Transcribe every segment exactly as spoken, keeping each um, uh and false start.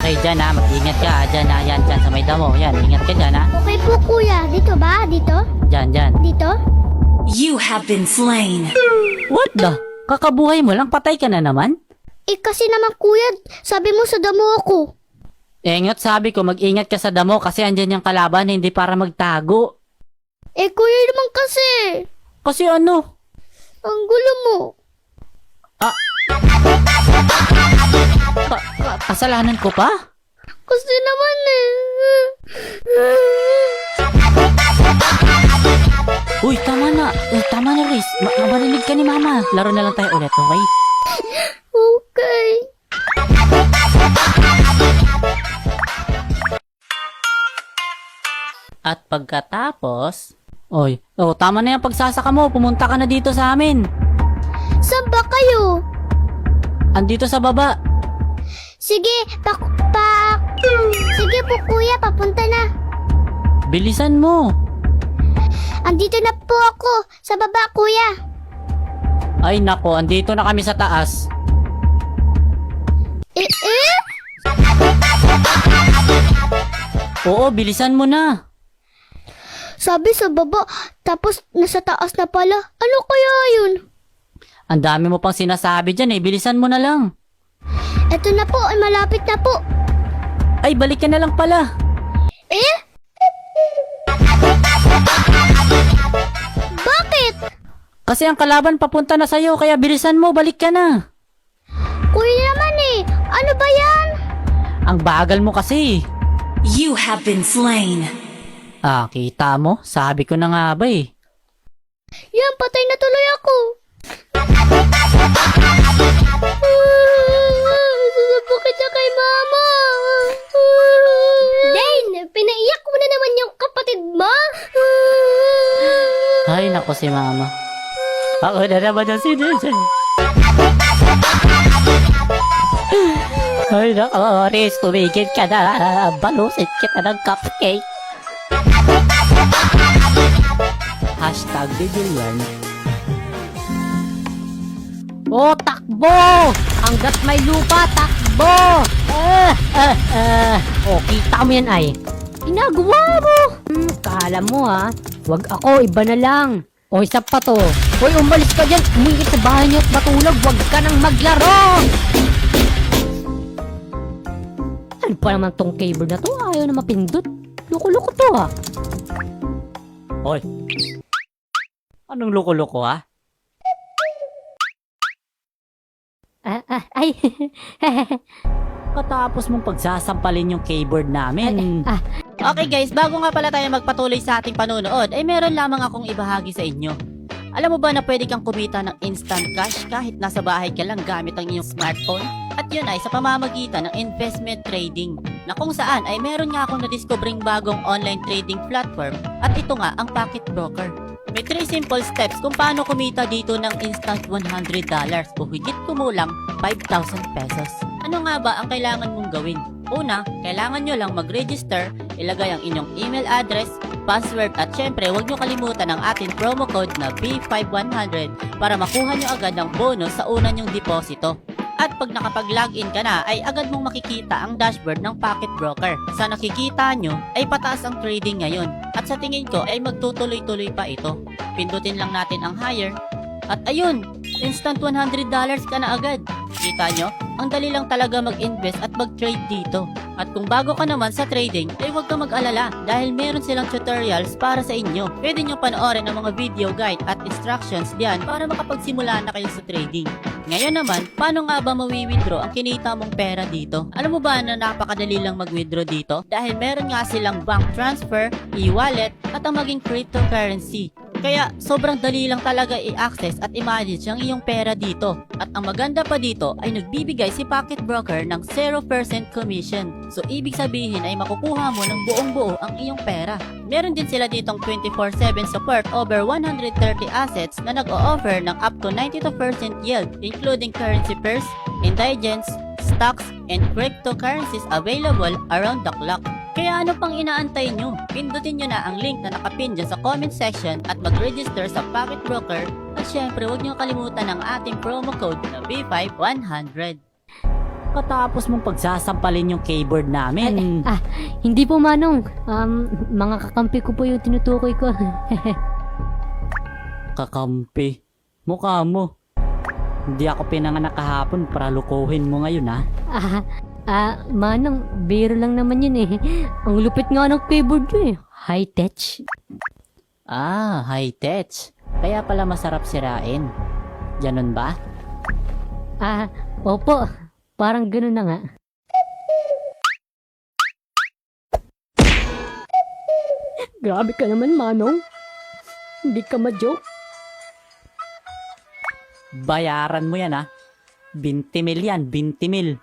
kayo dyan ha. Mag-ingat ka ha. Dyan ha. Yan, dyan sa may damo. Yan, ingat ka dyan ha. Okay po kuya. Dito ba? Dito? Dyan, dyan. Dito? You have been slain. What the? Kakabuhay mo lang, patay ka na naman? Eh kasi naman kuya, sabi mo sa damo ako. Eh ngot sabi ko, mag-ingat ka sa damo kasi andyan yung kalaban, hindi para magtago. Eh kuya naman kasi. Kasi ano? Ang gulo mo. Ah. Ka- ka- kasalanan ko pa? Kasi naman eh. Uy, tama na. Uy, tama na, Riz. Ma- marinig ka ni Mama. Laro na lang tayo ulit, okay? Okay. At pagkatapos... Oy, oh, tama na yung pagsasaka mo. Pumunta ka na dito sa amin. Saan ba kayo? Andito sa baba. Sige, pak... pak... Sige po kuya, papunta na. Bilisan mo. Andito na po ako. Sa baba kuya. Ay nako, andito na kami sa taas. Eh eh? Oo, bilisan mo na. Sabi sa baba, tapos nasa taas na pala. Ano kaya yun? Ang dami mo pang sinasabi dyan eh. Bilisan mo na lang. Eto na po, ay malapit na po. Ay, balik ka na lang pala. Eh? Bakit? Kasi ang kalaban papunta na sa'yo, kaya bilisan mo, balik ka na. Kuya naman eh. Ano ba yan? Ang bagal mo kasi. You have been slain. Ah, kita mo? Sabi ko na nga ba eh. Yan, patay na tuloy ako. Susubukit siya kay mama. Dane, pinaiyak mo na naman yung kapatid mo. Ay, nako si Mama. Ako na naman ang sinisin. Ay, nako, Riz, tumigil ka na. Balusin kita ng cupcake. Hashtag Bibilyan. Oh, takbo! Hanggat may lupa, takbo! Ah, ah, ah. Oh, kita mo yan ay. Ginagawa mo! Hmm, kala mo ha. Wag ako, iba na lang. O, isa pa to. Hoy, umalis ka dyan. Umingit sa bahay niyo at matulog. Wag ka nang maglaro! Ano pa naman tong cable na to? Ayaw na mapindot. Loko-loko to ha. Hoy. Anong loko-loko ha? Ah, ah, ay. Katapos mong pagsasampalin yung keyboard namin. Ah. Okay guys, bago nga pala tayo magpatuloy sa ating panonood, ay meron lamang akong ibahagi sa inyo. Alam mo ba na pwede kang kumita ng instant cash kahit nasa bahay ka lang gamit ang iyong smartphone? At yun ay sa pamamagitan ng investment trading, na kung saan ay meron nga akong nadiskobring bagong online trading platform at ito nga ang Pocket Broker. May three simple steps kung paano kumita dito ng instant one hundred dollars o higit kumulang five thousand pesos. Ano nga ba ang kailangan mong gawin? Una, kailangan nyo lang mag-register, ilagay ang inyong email address, password at syempre huwag nyo kalimutan ang ating promo code na B five one hundred para makuha nyo agad ang bonus sa una nyong deposito. At pag nakapag-login ka na ay agad mong makikita ang dashboard ng Pocket Broker. Sa nakikita nyo ay pataas ang trading ngayon at sa tingin ko ay magtutuloy-tuloy pa ito. Pindutin lang natin ang higher at ayun, instant one hundred dollars ka na agad. Kita nyo? Ang dali lang talaga mag-invest at mag-trade dito. At kung bago ka naman sa trading, ay huwag ka mag-alala dahil meron silang tutorials para sa inyo. Pwede nyo panoorin ang mga video guide at instructions diyan para makapagsimula na kayo sa trading. Ngayon naman, paano nga ba mawi-withdraw ang kinita mong pera dito? Alam mo ba na napakadali lang mag-withdraw dito? Dahil meron nga silang bank transfer, e-wallet, at ang maging cryptocurrency. Kaya sobrang dali lang talaga i-access at i-manage ang iyong pera dito. At ang maganda pa dito ay nagbibigay si Pocket Broker ng zero percent commission. So ibig sabihin ay makukuha mo ng buong buo ang iyong pera. Meron din sila ditong twenty-four seven support over one hundred thirty assets na nag-o-offer ng up to ninety-two percent yield including currency pairs, indigents, stocks, and cryptocurrencies available around the clock. Kaya ano pang inaantay nyo? Pindutin nyo na ang link na nakapin dyan sa comment section at mag-register sa Pocket Broker at syempre huwag nyo kalimutan ang ating promo code na B five one hundred. Katapos mong pagsasampalin yung keyboard namin. Ah, hindi po manong. Um, mga kakampi ko po yung tinutukoy ko. Kakampi. Mukha mo. Hindi ako pinanganak kahapon para lukuhin mo ngayon, ha? Ah, ah, manong, biro lang naman yun eh. Ang lupit nga ng keyboard nyo eh. High tech. Ah, high tech. Kaya pala masarap sirain. Ganon ba? Ah, opo. Parang ganun na nga. Grabe ka naman, manong. Hindi ka ma-joke. Bayaran mo yan, ha? twenty mil yan, twenty mil.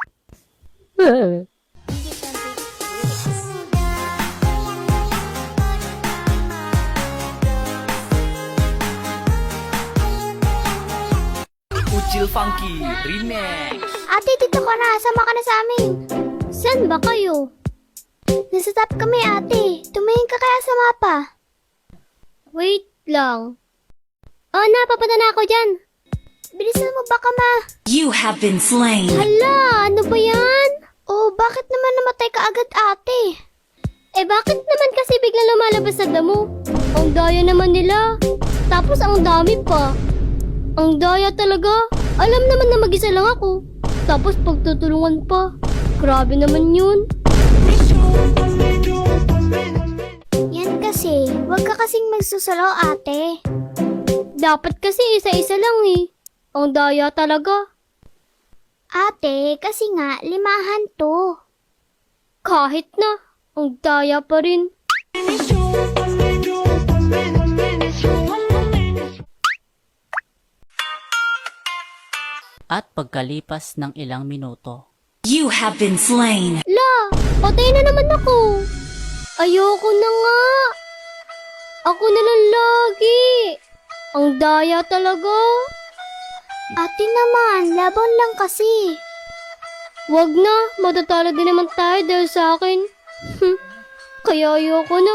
Uchil Funky Remix. Ate, dito ka na. Sama ka na sa amin. Saan ba kayo? Nasa top kami, ate. Tumingin ka kaya sa mapa. Wait lang. Oh, napapunta na ako dyan. Bilisan mo baka ma... You have been slain. Hala, ano ba yan? Oh, bakit naman namatay ka agad, ate? Eh, bakit naman kasi biglang lumalabas sa damo? Ang daya naman nila. Tapos ang dami pa. Ang daya talaga. Alam naman na mag-isa lang ako. Tapos pagtutulungan pa. Grabe naman yun. Yan kasi, wag ka kasing magsusalaw, ate. Dapat kasi isa-isa lang eh. Ang daya talaga. Ate, kasi nga, limahan to. Kahit na, ang daya pa rin. At pagkalipas ng ilang minuto, You have been slain. La, patay na naman ako. Ayoko na nga. Ako na lang lagi. Ang daya talaga. Ate naman, laban lang kasi. Wag na, matatalo din naman tayo dahil sa akin. Kaya ayoko na.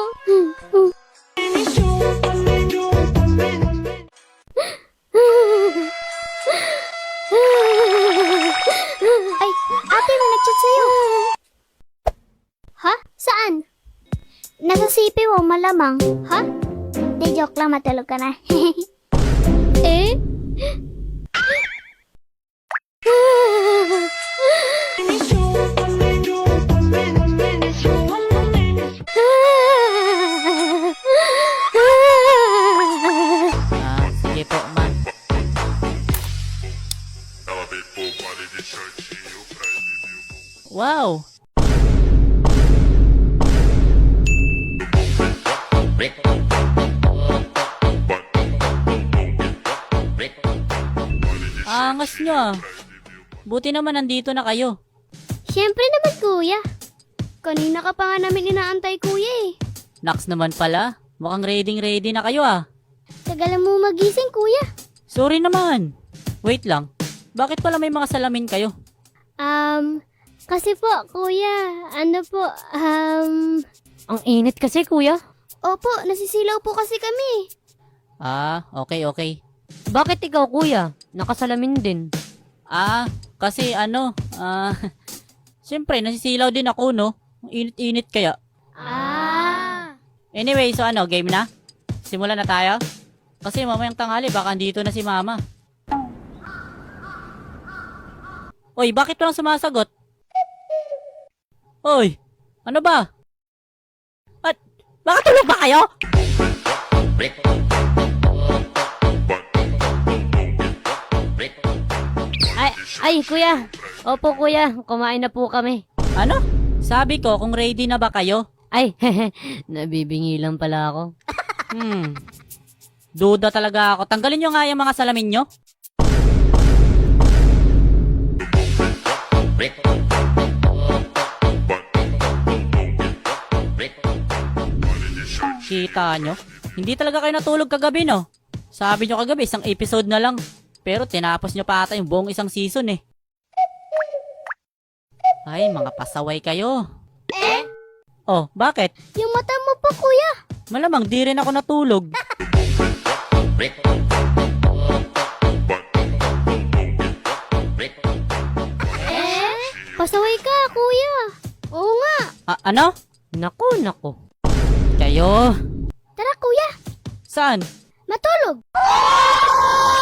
Ay, ate, may nag-chat sa'yo. Ha? Saan? Nasa C P mo, malamang. Ha? Di, joke lang, matulog ka na. eh? ah, sige po, ma. Wow! Angas nyo ah. Buti naman nandito na kayo. Siyempre naman, kuya. Kanina ka pa nga namin inaantay, kuya eh. Naks naman pala. Mukhang ready-ready na kayo ah. Tagal mo magising, kuya. Sorry naman. Wait lang. Bakit pala may mga salamin kayo? Um, kasi po, kuya, ano po, um... Ang init kasi, kuya. Opo, nasisilaw po kasi kami. Ah, okay, okay. Bakit ikaw, kuya? Nakasalamin din. Ah, kasi ano, ah, siyempre nasisilaw din ako, no? Ang init-init kaya. Ah. Anyway, so ano, game na? Simulan na tayo? Kasi mamayang tanghali, baka andito na si mama. Oy, bakit walang sumasagot? Oy, ano ba? At, baka tulog ba kayo? Ay, ay, kuya. Opo, kuya. Kumain na po kami. Ano? Sabi ko, kung ready na ba kayo? Ay, nabibingi lang pala ako. Hmm, duda talaga ako. Tanggalin nyo nga yung mga salamin nyo. Kita nyo? Hindi talaga kayo natulog kagabi, no? Sabi nyo kagabi, isang episode na lang. Pero tinapos nyo pa ata yung buong isang season, eh. Ay, mga pasaway kayo. Eh? Oh, bakit? Yung mata mo pa, kuya. Malamang di rin ako natulog. Eh? Pasaway ka, kuya. Oo nga. Ah, ano? Nako, nako. Kayo? Tara, kuya. Saan? Matulog.